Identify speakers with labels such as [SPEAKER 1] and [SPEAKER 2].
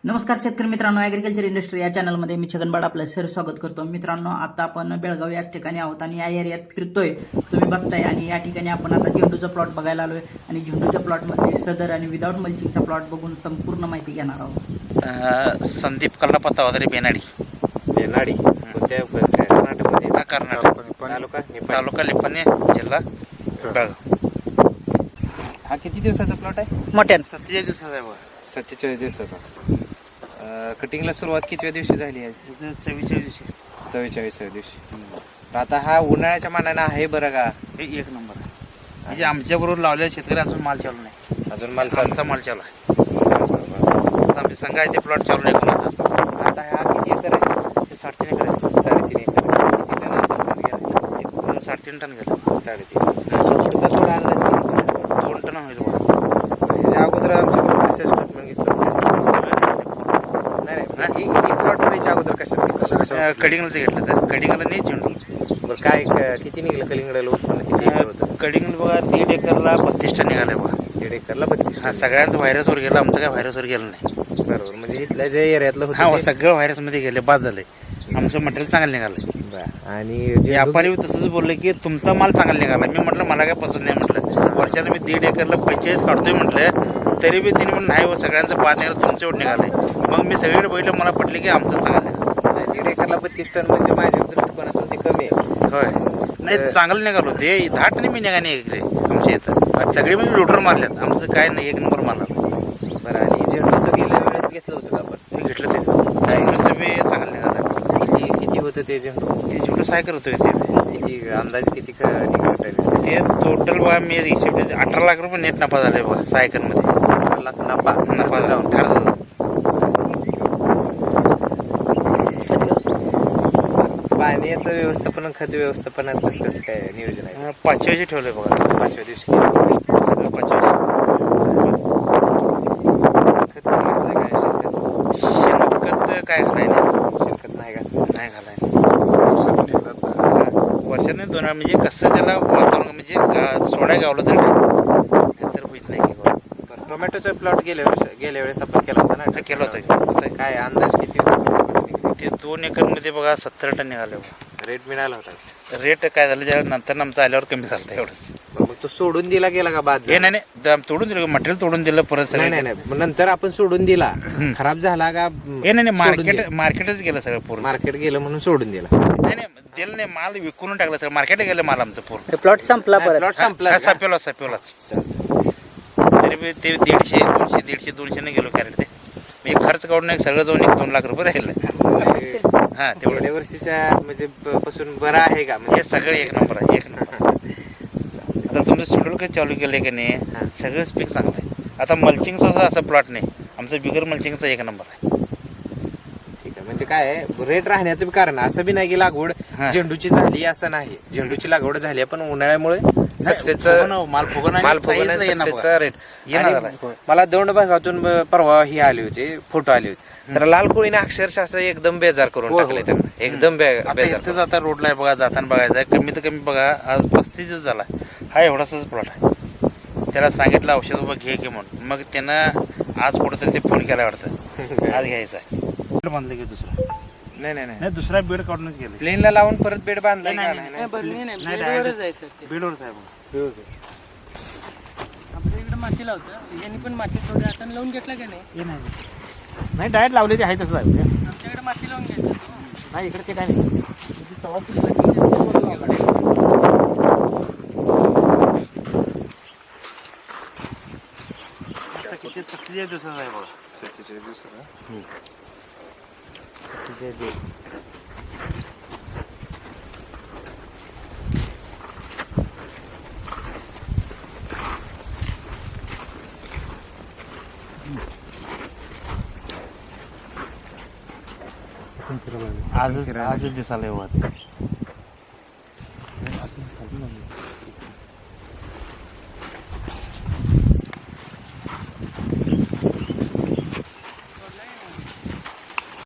[SPEAKER 1] नमस्कार शेतकरी मित्रांनो, ॲग्रिकल्चर इंडस्ट्री या चॅनलमध्ये मी छगनबाड आपलं सर स्वागत करतो. मित्रांनो, आता आपण बेळगाव याच ठिकाणी आहोत आणि या एरियात फिरतोय, तुम्ही बघताय. आणि या ठिकाणी आपण आता झेंडूचा प्लॉट बघायला आलोय आणि झेंडूच्या प्लॉटमध्ये सदर आणि विदाऊट मल्चिंगचा प्लॉट बघून संपूर्ण माहिती घेणार आहोत.
[SPEAKER 2] संदीप कल्लापत्ता वगैरे बेनाडी
[SPEAKER 3] कोणत्या कर्नाटकमध्ये
[SPEAKER 2] कर्नाटक तालुका लिपणे जिल्हा बेळगाव.
[SPEAKER 3] हा किती दिवसाचा प्लॉट आहे?
[SPEAKER 1] मोठ्यान
[SPEAKER 2] 47 दिवसाचा आहे बघा.
[SPEAKER 3] 47 दिवसाचा. कटिंगला सुरुवात कितव्या दिवशी झाली आहे?
[SPEAKER 2] 44 दिवशी
[SPEAKER 3] 44व्या दिवशी. तर आता हा उन्हाळ्याच्या मानाने आहे बरं का?
[SPEAKER 2] हे एक नंबर आहे. म्हणजे आमच्या बरोबर लावलेल्या शेतकरी अजून माल चालू नाही.
[SPEAKER 3] अजून माल
[SPEAKER 2] आमचा माल चालू आहे. आता आमचे संघ आहे ते प्लॉट चालू नाही कोणाचाच.
[SPEAKER 3] आता हा किती एकर आहे?
[SPEAKER 2] ते 3.5 एकर आहे.
[SPEAKER 3] 3.5 एकर. किती टन अंदाज गेला?
[SPEAKER 2] एक 3.5 टन गेलं.
[SPEAKER 3] 3.5. पुढचा थोडा अंदाज
[SPEAKER 2] 2 टन होईल बघा.
[SPEAKER 3] ह्याच्या अगोदर आमच्या स्टेटमेंट घेतलं नाही ही प्लॉट व्हायच्या अगोदर कशा
[SPEAKER 2] कडिंगलचं घेतलं तर कडिंगला नाही झेंडू.
[SPEAKER 3] बरं काय किती निघलं कलिंगडाला उत्पन्न किती एकर होतं?
[SPEAKER 2] कडिंगल बघा 1.5 एकरला 32 टन निघाले बघा.
[SPEAKER 3] 1.5 एकरला 32.
[SPEAKER 2] हा सगळ्यांचं व्हायरसवर गेलं, आमचं काय व्हायरसवर गेलं नाही.
[SPEAKER 3] बरोबर. म्हणजे इथल्या जे एरियातलं
[SPEAKER 2] हा
[SPEAKER 3] होतं
[SPEAKER 2] सगळं व्हायरसमध्ये गेले, बाद झाले. आमचं मटेरियल चांगलं निघालं.
[SPEAKER 3] आणि जे
[SPEAKER 2] व्यापारी तसंच बोलले की तुमचा माल चांगला निघाला. मी म्हटलं मला काय पसंत नाही म्हटलं. वर्षाला मी 1.5 एकरला 45 काढतोय म्हटलं, तरी बी तिने म्हणून नाही हो सगळ्यांचं बाद निघालं, तुमचं एवढं निघालंय. मग मी सगळीकडे बघितलं, मला पटले की आमचं चांगलं निघालं.
[SPEAKER 3] 1.5 एकरला 32 टन म्हणजे माझ्या दृष्टिकोनातून ते कमी आहे.
[SPEAKER 2] होय नाही चांगलं निघालो. ते 10 टन मी निघा नाही इकडे आमच्या इथं. सगळे म्हणजे लोटर मारल्यात. आमचं काय नाही, एक नंबर मारला.
[SPEAKER 3] बरं. आणि झेंडूचं गेल्या वेळेस घेतलं होतं का आपण?
[SPEAKER 2] मी घेतलं ते झेंडूचं बी चांगलं निघालं.
[SPEAKER 3] किती होतं ते झेंडू?
[SPEAKER 2] ते झेंडू सायकर होतं ते.
[SPEAKER 3] किती अंदाज किती निघत आहे?
[SPEAKER 2] ते टोटल बघा मी हिशेब 18 लाख रुपये नेट नफा झाले बघा सायकलमध्ये.
[SPEAKER 3] 18 लाख नफा
[SPEAKER 2] जाऊन ठरलं.
[SPEAKER 3] पाण्याचं व्यवस्थापन खत व्यवस्थापनाचं कसं काय नियोजन आहे?
[SPEAKER 2] 5व्या ठेवलंय बघा.
[SPEAKER 3] 5व्या दिवशी सगळं
[SPEAKER 2] 5व्या
[SPEAKER 3] खत घातलंय काय?
[SPEAKER 2] शेणखत काय घालाय नाही.
[SPEAKER 3] शेणखत नाही का?
[SPEAKER 2] नाही घालाय. वर्षाने 2 वेळा म्हणजे कसं त्याला वातावरण म्हणजे सोडा गावलं तर होईत नाही.
[SPEAKER 3] टोमॅटोचा प्लॉट गेल्या वेळेस आपण केला होता ना?
[SPEAKER 2] केलं होतं.
[SPEAKER 3] काय अंदाज किती होता?
[SPEAKER 2] ते 2 एकरमध्ये बघा 70 टन निघाले.
[SPEAKER 3] रेट मिळाला होता?
[SPEAKER 2] रेट काय झालं ज्या नंतर आमचं आल्यावर कमी झालं एवढंच.
[SPEAKER 3] मग तो सोडून दिला गेला का बाद?
[SPEAKER 2] हे नाही तोडून दिलं मटेरियल, तोडून दिलं परत सगळं.
[SPEAKER 3] नाही मग नंतर आपण सोडून दिला, खराब झाला का?
[SPEAKER 2] हे नाही मार्केटच गेलं सगळं पूर्ण.
[SPEAKER 3] मार्केट गेलं म्हणून सोडून दिला?
[SPEAKER 2] नाही दिलं नाही, माल विकून टाकलं सगळं. मार्केट गेलं माल आमचं पूर्ण.
[SPEAKER 1] प्लॉट संपला परत.
[SPEAKER 3] प्लॉट संपला.
[SPEAKER 2] सपेलाच तरी बी ते 150 ने गेलो कॅरेट. ते मी खर्च काढून एक सगळं जाऊन 2 लाख रुपये राहिलं. हा तेवढ्या
[SPEAKER 3] गेल्या वर्षीच्या म्हणजे पासून बरं आहे का? म्हणजे
[SPEAKER 2] हे सगळं एक नंबर आहे, एक नंबर. आता तुमचं शेड्यूल काही चालू केलंय की नाही, सगळंच पीक चांगलं आहे. आता मल्चिंगचा असं प्लॉट नाही आमचं, बिगर मल्चिंगचा एक नंबर आहे.
[SPEAKER 3] ठीक आहे. म्हणजे काय रेट राहण्याचं कारण असं बी नाही की लागवड झेंडूची झाली असं नाही. झेंडूची लागवड झाली पण उन्हाळ्यामुळे सक्सेसचं
[SPEAKER 2] माल
[SPEAKER 3] सक्सेसचा रेट. मला दौंड भागातून परवा ही आली होती, फोटो आले होते. तर लाल कोळीने अक्षरशः असं एकदम बेजार करून टाकले त्यांना. एकदम बेजार.
[SPEAKER 2] आता रोडला आहे बघा, जाताना बघायचं आहे. कमीत कमी बघा आज 35 दिवस झाला हा एवढाच प्लॉट आहे. त्याला सांगितलं औषध उभं घे म्हणून, मग त्यानं आज कुठं तरी ते फोन केला वाटतं आज घ्यायचा आहे. बेड बांधलं की दुसरा नाही दुसरा बेड काढूनच गेले.
[SPEAKER 3] प्लेनला लावून परत बेड बांधलाय का?
[SPEAKER 1] बेडवरच आहे सर.
[SPEAKER 2] बेडवरच आहे बघा.
[SPEAKER 4] आपल्या इकडे माती लावतं, यांनी पण माती थोडी हाताने लावून घेतला का नाही?
[SPEAKER 2] हे नाही डायरेक्ट लावले ते आहे तसं आहे.
[SPEAKER 4] आमच्याकडे माती लावून घ्यायचं.
[SPEAKER 2] नाही इकडचे काय नाही. किती 47 दिवसाचा आहे बघा.
[SPEAKER 3] 47 दिवसाचा.
[SPEAKER 2] आजच दिसायला एवढं.